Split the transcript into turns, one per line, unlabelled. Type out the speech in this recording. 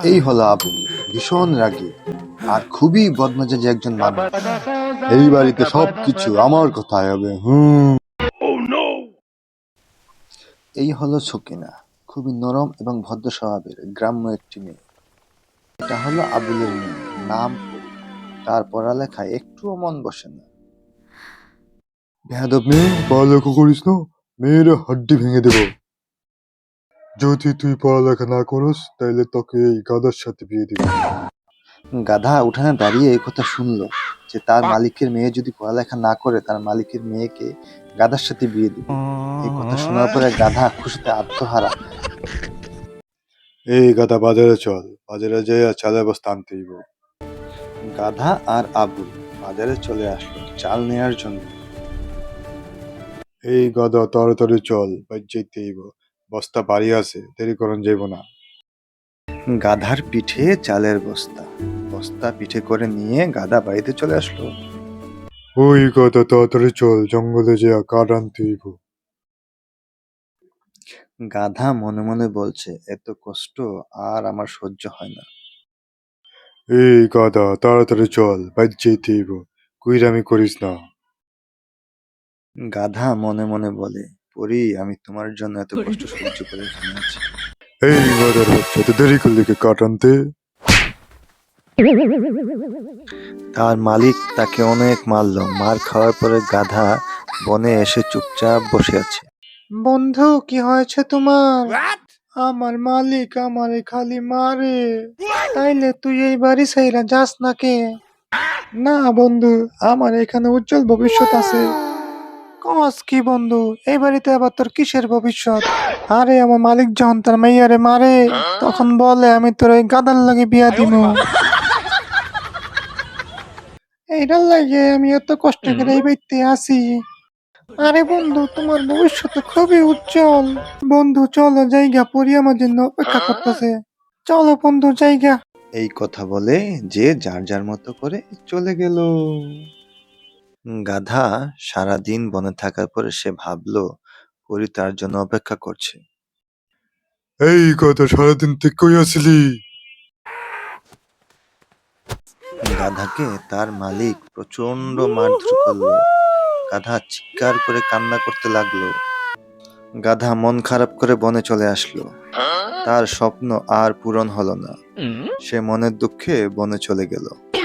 এই হলো আবুল, ভীষণ রাগী আর খুবই বদমেজাজি একজন মানুষ। এই বাড়িতে সবকিছু আমার কথায় হবে। এই হলো সকিনা, খুবই নরম এবং ভদ্র স্বভাবের গ্রাম্য একটি মেয়ে। এটা হলো আবুলের মেয়ে, নাম পরি। তার পড়ালেখায় একটুও মন বসে না। বেয়াদব মেয়ে, পড়ালেখা করিস না, মেয়ের হাড্ডি ভেঙে দেব। যদি তুই পড়ালেখা না করিস তাইলে তোকে এই গাধার সাথে বিয়ে দিবি। গাধা উঠানে দাঁড়িয়ে এই কথা শুনলো যে তার মালিকের মেয়ে যদি পড়ালেখা না করে তার মালিকের মেয়েকে গাধার সাথে বিয়ে দিবে। এই কথা শোনার পরে গাধা খুশিতে আত্মহারা। এই গাধা, বাজারে চল, বাজারে যেয়ে চালের বস্তা আনতে হইব। গাধা আর আবুল বাজারে চলে আসলো চাল নেয়ার জন্য। এই গাধা, তাড়াতাড়ি চল, বাইর যাইতে হইব, বস্তা বাড়ি আছে, দেরি করন যাইব না। গাধার পিঠে চালের বস্তা, বস্তা পিঠে করে নিয়ে গাধা বাড়িতে চলে আসলো। ওই গাধা, তাড়াতাড়ি চল, জঙ্গলে যেয়ে কাঠ আনতে হইব। গাধা মনে মনে বলছে, এত কষ্ট আর আমার সহ্য হয় না। এই গাধা, তাড়াতাড়ি চল, বাইর যাইতে হইব, কুইরামি করিস না। গাধা মনে মনে বলে, পরি, আমি তোমার জন্য এত কষ্ট সহ্য করে এখানে আছি। এই গাধার বাচ্চা, এত দেরি করলি কে কাঠ আনতে? তার মালিক তাকে অনেক মারলো। মার খাওয়ার পরে গাধা বনে এসে চুপচাপ বসে আছে। বন্ধু, কি হয়েছে তোমার? আমার মালিক আমারে খালি মারে। তাইলে তুই এই বাড়ি ছাইরা যাস না কে? না বন্ধু, আমার এখানে উজ্জ্বল ভবিষ্যৎ আছে। কস কি বন্ধু, এই বাড়িতে আবার তোর কিসের ভবিষ্যৎ? আরে আমার মালিক যখন তার মাইয়ারে মারে তখন বলে আমি তোর ওই গাদার লাগে বিয়া দিমু। এইটার লাগে আমি এত কষ্ট করে এই বাড়িতে আসি। আরে বন্ধু, তোমার ভবিষ্যৎ খুবই উজ্জ্বল। বন্ধু চলো জায়গা, পরি আমার জন্য অপেক্ষা করতেছে। চলো বন্ধু জায়গা। এই কথা বলে যে যার যার মতো করে চলে গেল। গাধা সারাদিন বনে থাকার পরে সে ভাবলো পরি তার জন্য অপেক্ষা করছে। এই কথা, সারাদিন তুই কই আছিলি? গাধাকে তার মালিক প্রচন্ড মারধর করলো। গাধা চিৎকার করে কান্না করতে লাগলো। গাধা মন খারাপ করে বনে চলে আসলো। তার স্বপ্ন আর পূরণ হলো না। সে মনের দুঃখে বনে চলে গেল।